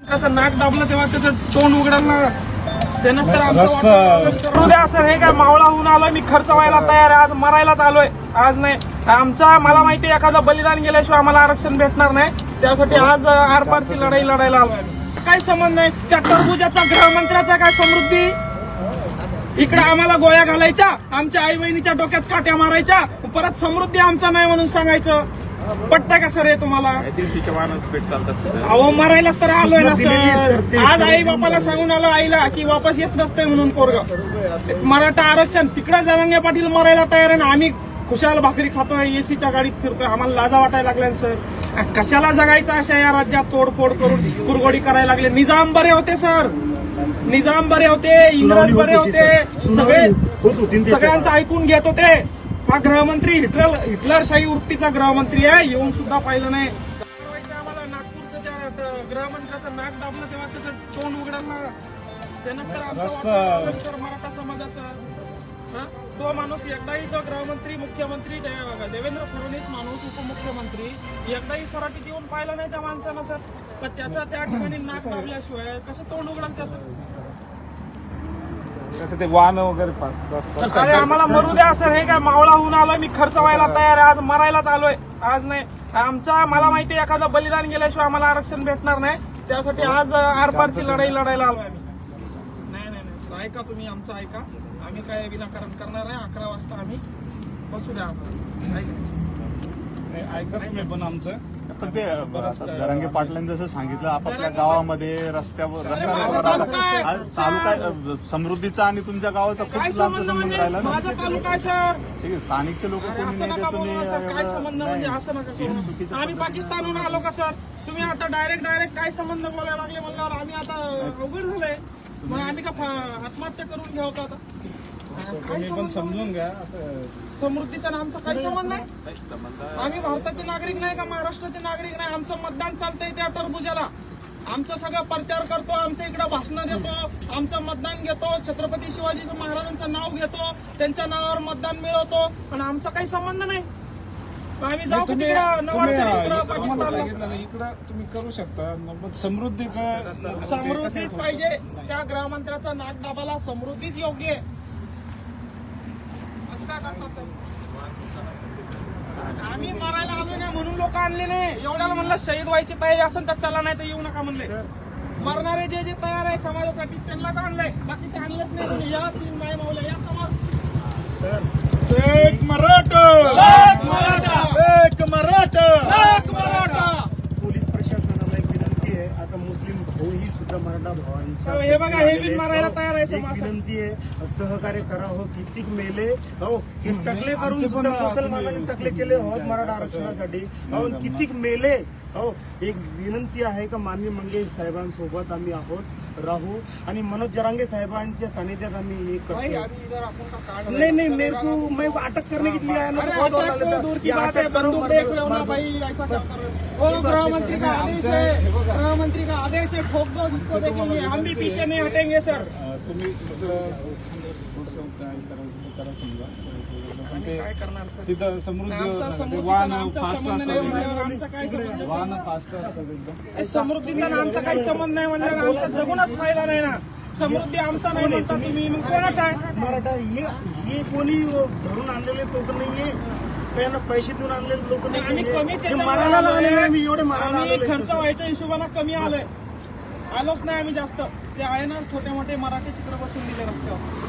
त्याचं नाक दाबलं तेव्हा त्याचं तोंड उघडायला त्यानंच तर आमचं द्या सर. हे काय मावळा होऊन आलोय मी, खर्च व्हायला तयार आहे, आज मरायलाच आलोय. आज नाही आमचा, मला माहिती आहे एखादं बलिदान गेल्याशिवाय आम्हाला आरक्षण भेटणार नाही. त्यासाठी आज आरपारची लढाई लढायला आलोय. काय संबंध नाही त्या टरबुजाचा, गृहमंत्र्याचा काय समृद्धी. इकडे आम्हाला गोळ्या घालायच्या, आमच्या आई बहिणीच्या डोक्यात काट्या मारायच्या, परत समृद्धी आमचा नाही म्हणून सांगायचं. पटतंय का सर हे तुम्हाला? अहो मरायलाच तर आलोय ना सर. आज आई बापाला सांगून आलो आईला की वापस येत नसतंय म्हणून पोरग. मराठा आरक्षण तिकडे जरांगे पाटील मरायला तयार आहे ना, आम्ही खुशाल भाकरी खातोय, एसीच्या गाडीत फिरतोय. आम्हाला लाजा वाटायला लागल्या सर. कशाला जगायचं अशा या राज्यात तोडफोड करून कुरगोडी करायला लागले. निजाम बरे होते सर, निजाम बरे होते, इंग्रज बरे होते, सगळ्यांचं ऐकून घेत होते. हा गृहमंत्री हिटलरशाही वृत्तीचा गृहमंत्री आहे, येऊन सुद्धा पाहिलं नाही. आम्हाला नागपूरचं त्या गृहमंत्र्याचं नाक दाबलं तेव्हा त्याचं तोंड उघडायला त्यानंच तर आमचं सर मराठा समाजाचा तो माणूस एकदाही, तो गृहमंत्री मुख्यमंत्री देवेंद्र फडणवीस माणूस उपमुख्यमंत्री एकदाही सराटीत येऊन पाहिलं नाही त्या माणसानं सर. पण त्याचं त्या ठिकाणी नाक दाबल्याशिवाय कसं तोंड उघडाल त्याचं? ते वाहन वगैरे अरे आम्हाला मरू द्या सर. हे काय मावळा होऊन आलोय मी, खर्च व्हायला तयार आहे, आज मरायलाच आलोय. आज नाही आमचा, मला माहिती आहे एखादं बलिदान गेल्याशिवाय आम्हाला आरक्षण भेटणार नाही. त्यासाठी आज आरपारची लढाई लढायला आलोय आम्ही. नाही ऐका तुम्ही आमचं ऐका, आम्ही काय विनाकारण करणार नाही. 11 वाजता आम्ही बसू द्या आम्हाला. ऐका तुम्ही पण आमचं. पण ते जरांगे पाटलांनी जसं सांगितलं, आपापल्या गावामध्ये रस्त्यावर तालुका समृद्धीचा आणि तुमच्या गावाचा खूप लांबचा संबंध राहिला ना. माझा तालुका आहे सर. ठीक आहे, स्थानिकचे लोक कोणी असं नका बोलू ना सर. काय संबंध म्हणजे असं नका करू. आम्ही पाकिस्तानहून आलो का सर? तुम्ही आता डायरेक्ट काय संबंध बोलायला लागले म्हणल्यावर आम्ही आता अवघड झालंय. मग आम्ही का आत्महत्या करून घ्यावं का आता? पण समजून घ्या. समृद्धीचा आमचा काही संबंध नाही. आम्ही भारताचे नागरिक नाही का महाराष्ट्राचे नागरिक नाही? आमचं मतदान चालतंय त्या टरबुजाला. आमचं सगळं प्रचार करतो, आमच्या इकडे भाषणं देतो, आमचं मतदान घेतो, छत्रपती शिवाजी महाराजांचं नाव घेतो, त्यांच्या नावावर मतदान मिळवतो, पण आमचा काही संबंध नाही. आम्ही जाऊ तिकडे नवाज पाकिस्तानला. इकडं तुम्ही करू शकता. समृद्धीच पाहिजे. त्या गृहमंत्र्याचा नाक दाबाला समृद्धीच योग्य आहे. असं काय करता सर? आम्ही मरायला आलो नाही म्हणून लोक आणले नाही. एवढ्याला म्हणलं शहीद व्हायची तयारी असेल तर चला, नाही तर येऊ नका म्हणले. मरणारे जे जे तयार आहे समाजासाठी त्यांनाच आणलंय, बाकीचे आणलंच नाही. या तीन माय मावल्या या समोर सर. एक मराठा, एक मराठा, एक मराठा, एक मराठा. पोलीस प्रशासनाला एक विनंती आहे. आता मुस्लिम भाऊ ही सुद्धा मराठा भावांच्या हे बघा, हे बिन मारायला तयार आहे एक समाज. विनंती आहे, सहकार्य करा हो. कितीक मेले हो, हे टकले करून सुद्धा मुसलमानांनी टकले केले होत मराठा आरक्षणासाठी हो. कितीक मेले हो. एक विनंती आहे का माननीय मंगेश साहेबांसोबत आम्ही आहोत, राहू आणि मनोज जरांगे साहेबांच्या सानिध्यात आम्ही हे करतो. नहीं नहीं, मेरे को मैं अटक करने के लिए आया ना, बहुत और डाले दूर की बात है. बंदूक देख रहे हो ना भाई, ऐसा क्या कर रहे हो? वो गृहमंत्री का आदेश है, गृहमंत्री का आदेश है. ठोक दो जिसको देखेंगे, हम भी पीछे नहीं हटेंगे सर. तुम्ही करा समजा. काय करणार सर? तिथं समृद्धी वाहन फास्ट असतात, वाहन फास्ट असतात एकदम. समृद्धीचा आमचा काही संबंध नाही म्हणलं, आमचा जगूनच फायदा नाही ना. समृद्धी आमचा नाही म्हणता तुम्ही, मग कोणाचा आहे? मराठा हे कोणी धरून आणलेले लोक नाहीये, त्यांना पैसे देऊन आणलेले लोक नाही. आम्ही कमीच हे मारायला लागले, आम्ही एवढे मारायला आम्ही आलेलो खर्च व्हायच्या हिशोबाने कमी आलोय, आलोच नाही आम्ही जास्त. ते आहे ना छोटे मोठे मराठी तिकडे बसून दिले रस्त्यावर.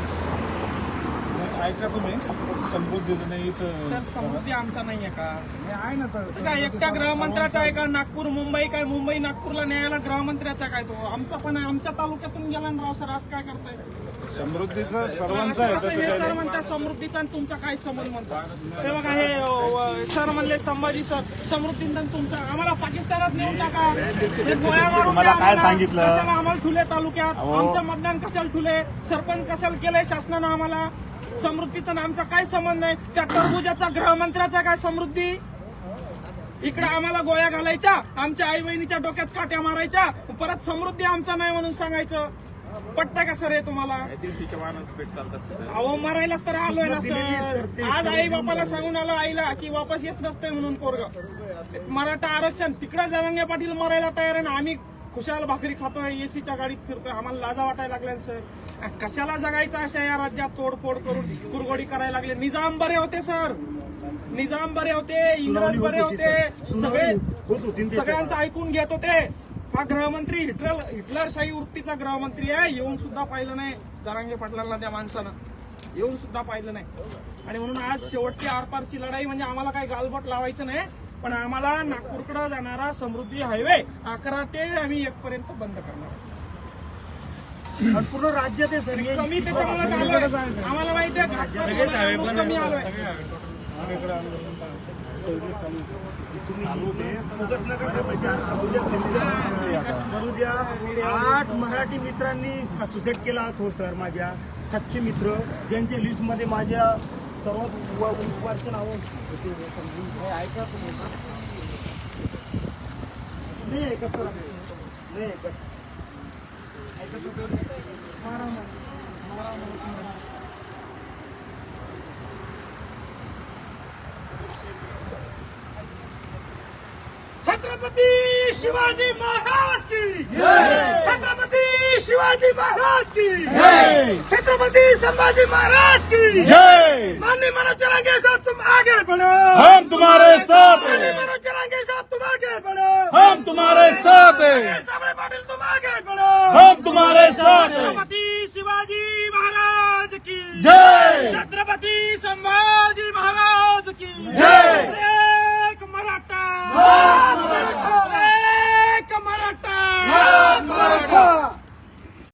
ऐका तुम्ही कसं समृद्धीचं नाही इथं. सर समृद्धी आमचा नाहीये का? आहे ना तर काय एकट्या गृहमंत्र्याचा आहे का? नागपूर मुंबई काय, मुंबई नागपूरला न्यायला गृहमंत्र्याचा काय? तो आमचा पण आहे, आमच्या तालुक्यातून गेला ना राव सर. आज काय करताय? समृद्धीचं सर्वांचं आहे असं तसं हे काय सर नाही. म्हणतात समृद्धीचा आणि तुमचा काय संबंध म्हणतात? हे बघा, हे सर म्हणले संभाजी सर, समृद्धीचा तुमचा, आम्हाला पाकिस्तानात नेऊन टाका. हे गोळ्या मारून तुम्हाला काय सांगितलं? कशाला आम्हाला ठुले तालुक्यात? आमचं मतदान कशाला ठुले? सरपंच कशाला केलंय शासनानं आम्हाला? समृद्धीचा आमचा काय संबंध नाही. त्या टरबुजाचा, गृहमंत्र्याचा काय समृद्धी. इकडे आम्हाला गोळ्या घालायच्या, आमच्या आई बहिणीच्या डोक्यात काट्या मारायच्या, परत समृद्धी आमचा नाही म्हणून सांगायचं. पटतंय का सर हे तुम्हाला? अहो मरायलाच तर आलोय ना सर. आज आई बापाला सांगून आलो आईला की वापस येत नसतंय म्हणून पोरग. मराठा आरक्षण तिकडे जरांगे पाटील मरायला तयार आहे ना, आम्ही खुशाल भाकरी खातोय, एसीच्या गाडीत फिरतोय, आम्हाला लाजा वाटायला लागल्या सर. कशाला जगायचं अशा या राज्यात तोडफोड करून कुरगोडी करायला लागले. निजाम बरे होते सर, निजाम बरे होते, इंग्रज बरे होते, सगळे सगळ्यांचं ऐकून घेत होते. हा गृहमंत्री हिटलरशाही वृत्तीचा गृहमंत्री आहे, येऊन सुद्धा पाहिलं नाही जरांगे पाटलांना त्या माणसानं, येऊन सुद्धा पाहिलं नाही. आणि म्हणून आज शेवटची आरपारची लढाई म्हणजे आम्हाला काही गालबोट लावायचं नाही, पण आम्हाला नागपूरकडे जाणारा समृद्धी हायवे 11 ते आम्ही 1 पर्यंत बंद करणार. आणि पूर्ण राज्यात आहे सर हे. कमी त्याच्यामुळे आलोय, आम्हाला माहिती आहे कमी आलोय. तुम्ही फोकस नका करू सर. करू द्या. 8 मराठी मित्रांनी सुसाईड केला हो सर. माझ्या सख्खे मित्र ज्यांच्या लिस्ट मध्ये माझ्या सर्वात वर्ष नाव ऐका तुम्ही नाही ऐकत सर, नाही ऐकत. छत्रपती शिवाजी महाराज की जय. छत्रपती शिवाजी महाराज की जय. छत्रपती संभाजी महाराज की जय. माननीय मनोज जरांगे साहब तुम आगे बढ़ो, हम तुम्हारे साथ हैं, माननीय मनोज जरांगे साहब तुम आगे बढ़ो, हम तुम्हारे साथ हैं, सामने पाटिल तुम आगे बढ़ो, हम तुम्हारे साथ हैं. छत्रपती शिवाजी महाराज की जय. छत्रपती संभाजी महाराज की जय. एक मराठा